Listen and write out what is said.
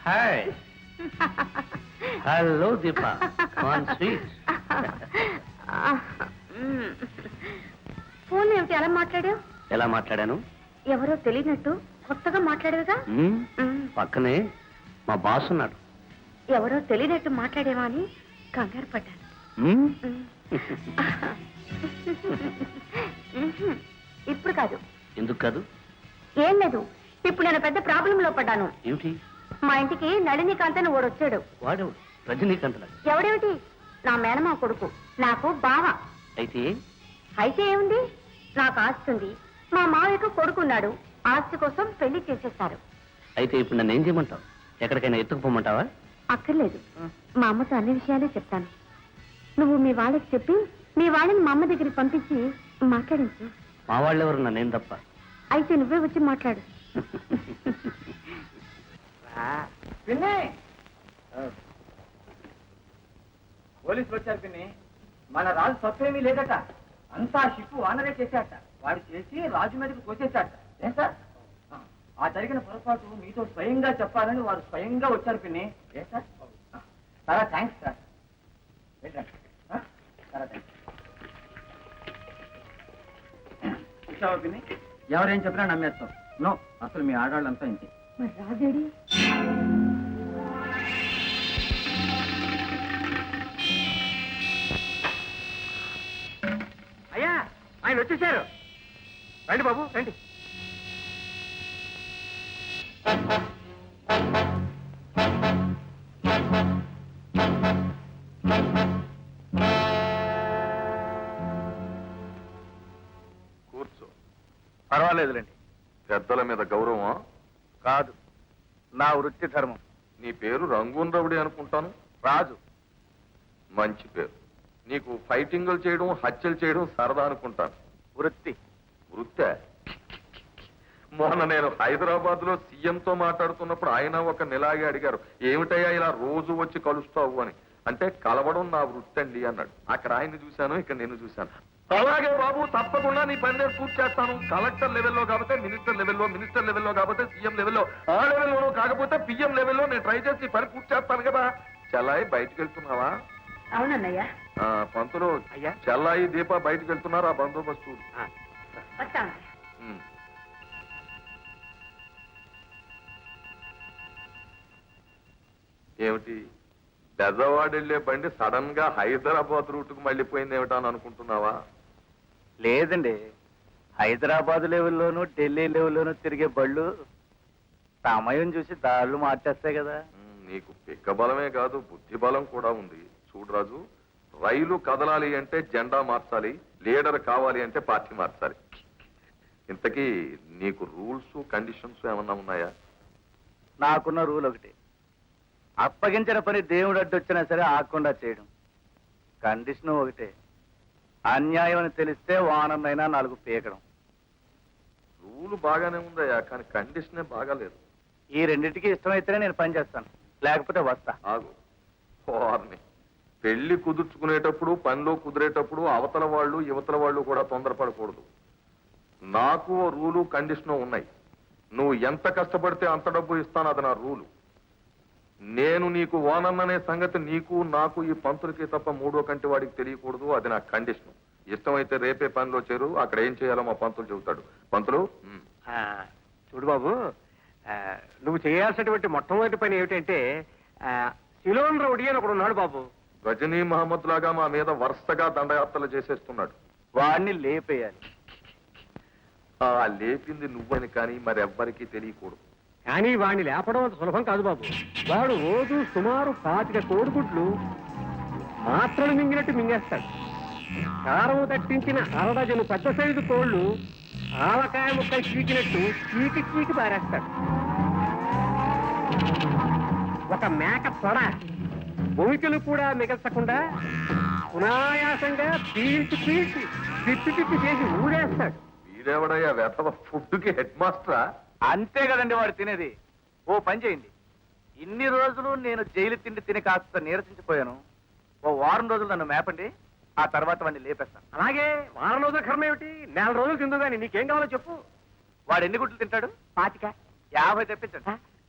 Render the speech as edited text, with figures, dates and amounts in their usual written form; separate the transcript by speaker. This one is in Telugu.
Speaker 1: హాయ్. హలో దీపా, కాన్ స్వీట్.
Speaker 2: ఫోన్ ఏమిటి అలా మాట్లాడావు?
Speaker 1: ఎలా మాట్లాడాను?
Speaker 2: ఎవరో తెలియనట్టు కొత్తగా మాట్లాడేవిగా.
Speaker 1: పక్కనే మా బాస్ ఉన్నాడు.
Speaker 2: ఎవరో తెలియనట్టు మాట్లాడేవా అని కంగారు పడ్డాను. ఇప్పుడు కాదు.
Speaker 1: ఎందుకు కాదు?
Speaker 2: ఏం లేదు, ఇప్పుడు నేను పెద్ద ప్రాబ్లం లో పడ్డాను.
Speaker 1: ఏమిటి?
Speaker 2: మా ఇంటికి నళినీకాంత్ అని ఓడొచ్చాడు.
Speaker 1: వాడెవడు? రజనీకాంత్ లాగా.
Speaker 2: ఎవడేమిటి, నా మేనమా కొడుకు, నాకు బావ.
Speaker 1: అయితే
Speaker 2: అయితే ఏముంది, నాకు ఆస్తి ఉంది, మా మావయ్యకు కొడుకున్నాడు, ఆస్తి కోసం పెళ్లి చేసేస్తారు.
Speaker 1: అయితే ఇప్పుడు నన్ను ఏం చేయమంటావు? ఎక్కడికైనా ఎత్తుకుపోమంటావా?
Speaker 2: అక్కర్లేదు, మా అమ్మతో అన్ని విషయాలే చెప్తాను. నువ్వు మీ వాళ్ళకి చెప్పి మీ వాళ్ళని మా అమ్మ దగ్గరికి పంపించి మాట్లాడించు.
Speaker 1: మా వాళ్ళెవరు, నన్నేం తప్ప.
Speaker 2: అయితే నువ్వే వచ్చి మాట్లాడు.
Speaker 3: పోలీసులు వచ్చారు పిన్ని. మన రాజు తప్పేమీ లేదట, అంతా షిప్పు వానరే చేశాట. వాడు చేసి రాజు మీదకి కోసేశాట. ఏం సార్, ఆ జరిగిన పొరపాటు మీతో స్వయంగా చెప్పాలని వారు స్వయంగా వచ్చారు పిన్ని. ఏ సార్, చాలా థ్యాంక్స్ సార్. చాలా థ్యాంక్స్. చూసావా పిన్ని, ఎవరేం చెప్పినా నమ్మేస్తాం. నో, అసలు మీ ఆడవాళ్ళంతా ఇంతే.
Speaker 2: మరి రాజేడి?
Speaker 3: అయ్యా, ఆయన వచ్చేసారు. రండి బాబు, రండి.
Speaker 4: కూర్చో.
Speaker 3: పర్వాలేదులేండి.
Speaker 4: పెద్దల మీద గౌరవం
Speaker 3: కాదు, నా వృత్తి ధర్మం.
Speaker 4: నీ పేరు రంగూన్ రవుడి అనుకుంటాను.
Speaker 3: రాజు.
Speaker 4: మంచి పేరు. నీకు ఫైటింగులు చేయడం, హత్యలు చేయడం సరదా అనుకుంటాను.
Speaker 3: వృత్తి.
Speaker 4: వృత్తే? మొన్న నేను హైదరాబాద్ లో సీఎంతో మాట్లాడుతున్నప్పుడు ఆయన ఒక నెలాగే అడిగారు, ఏమిటయ్యా ఇలా రోజు వచ్చి కలుస్తావు అని. అంటే కలవడం నా వృత్తి అండి అన్నాడు. అక్కడ ఆయన్ని చూశాను, ఇక్కడ నేను చూశాను. అలాగే బాబు, తప్పకుండా నీ పని నేను పూర్తి చేస్తాను. కలెక్టర్ లెవెల్లో కాకపోతే మినిస్టర్ లెవెల్లో, మినిస్టర్ లెవెల్లో కాకపోతే సీఎం లెవెల్లో, ఆ లెవెల్లోనూ కాకపోతే పిఎం లెవెల్లో నేను ట్రై చేసి పని పూర్తి చేస్తాను కదా. చెల్లాయి బయటకు వెళ్తున్నావా?
Speaker 2: అవునన్నయ్య.
Speaker 4: పంతులు,
Speaker 3: అయ్యా.
Speaker 4: చెల్లాయి దీప బయటకు వెళ్తున్నారు, ఆ బందోబస్తు.
Speaker 2: వస్తాను.
Speaker 4: ఏమిటి, బెజవాడ వెళ్లే బండి సడన్ గా హైదరాబాద్ రూట్ కు మళ్ళీపోయింది ఏమిటా అని అనుకుంటున్నావా?
Speaker 3: లేదండి, హైదరాబాద్ లెవెల్లోనూ ఢిల్లీ లెవెల్లోనూ తిరిగే బళ్ళు సమయం చూసి దారులు మార్చేస్తాయి కదా.
Speaker 4: నీకు పిక్క బలమే కాదు, బుద్ధి బలం కూడా ఉంది. చూడు రాజు, రైలు కదలాలి అంటే జెండా మార్చాలి, లీడర్ కావాలి అంటే పార్టీ మార్చాలి. ఇంతకీ నీకు రూల్స్ కండిషన్స్ ఏమన్నా ఉన్నాయా?
Speaker 3: నాకున్న రూల్ ఒకటి, అప్పగించిన పని దేవుడు అడ్డొచ్చినా సరే ఆకుండా చేయడం. కండిషన్ ఒకటే, అన్యాయం అని తెలిస్తే వానమైనా 4 పీకడం.
Speaker 4: రూల్ బాగానే ఉందయ్యా, కానీ కండిషనే బాగాలేదు.
Speaker 3: ఈ రెండింటికి ఇష్టమైతేనే నేను పని చేస్తాను, లేకపోతే వస్తా.
Speaker 4: ఆగు. వారిని పెళ్లి కుదుర్చుకునేటప్పుడు, పనిలో కుదిరేటప్పుడు అవతల వాళ్ళు యువతల వాళ్ళు కూడా తొందరపడకూడదు. నాకు రూలు కండిషను ఉన్నాయి. నువ్వు ఎంత కష్టపడితే అంత డబ్బు ఇస్తాను, అది నా రూలు. నేను నీకు ఓనన్ననే సంగతి నీకు నాకు ఈ పంతులకి తప్ప మూడో కంటి వాడికి తెలియకూడదు, అది నా కండిషన్. ఇష్టమైతే రేపే పనిలో చేరు, అక్కడ ఏం చేయాలో మా పంతులు చెబుతాడు. పంతులు,
Speaker 3: చూడు బాబు, నువ్వు చేయాల్సినటువంటి మొట్టమొదటి పని ఏమిటంటే, సిలోన్ రౌడీ అని ఒకడు ఉన్నాడు బాబు.
Speaker 4: గజనీ మహమ్మద్ లాగా మా మీద వరుసగా దండయాత్రలు చేసేస్తున్నాడు.
Speaker 3: వాడిని లేపేయాలి.
Speaker 4: ఆ లేపింది నువ్వని కానీ మరెవ్వరికీ తెలియకూడదు.
Speaker 5: కానీ వాడిని లేపడం అంత సులభం కాదు బాబు. వాడు రోజు సుమారు 25 కోడిగుడ్లు మాత్రలు మింగినట్టు మింగేస్తాడు. కారం తట్టించిన 60 పెద్ద సైజు కోళ్లు ఆవకాయ ముక్కలు చీకినట్టు చీకి చీకి పారేస్తాడు. ఒక మేక తొడ భూమికలు కూడా మిగల్చకుండా సునాయాసంగా పీల్చి పీల్చి తిప్పి తిప్పి చేసి ఊడేస్తాడు.
Speaker 4: వీడెవడయ్యా వెతవ ఫుడ్కి హెడ్ మాస్టరా?
Speaker 3: అంతే కదండి వాడు తినేది. ఓ పని చేయండి, ఇన్ని రోజులు నేను జైలు తిండి తిని కాస్త నీరసించిపోయాను. ఓ వారం రోజులు నన్ను మేపండి, ఆ తర్వాత వాడిని లేపేస్తాను.
Speaker 5: అలాగే వారం రోజుల కర్మ ఏమిటి, 4 రోజులు తిందు కానీ నీకేం కావాలో చెప్పు.
Speaker 3: వాడు ఎన్ని గుడ్లు తింటాడు?
Speaker 5: 25.
Speaker 3: 50 తెప్పించండి.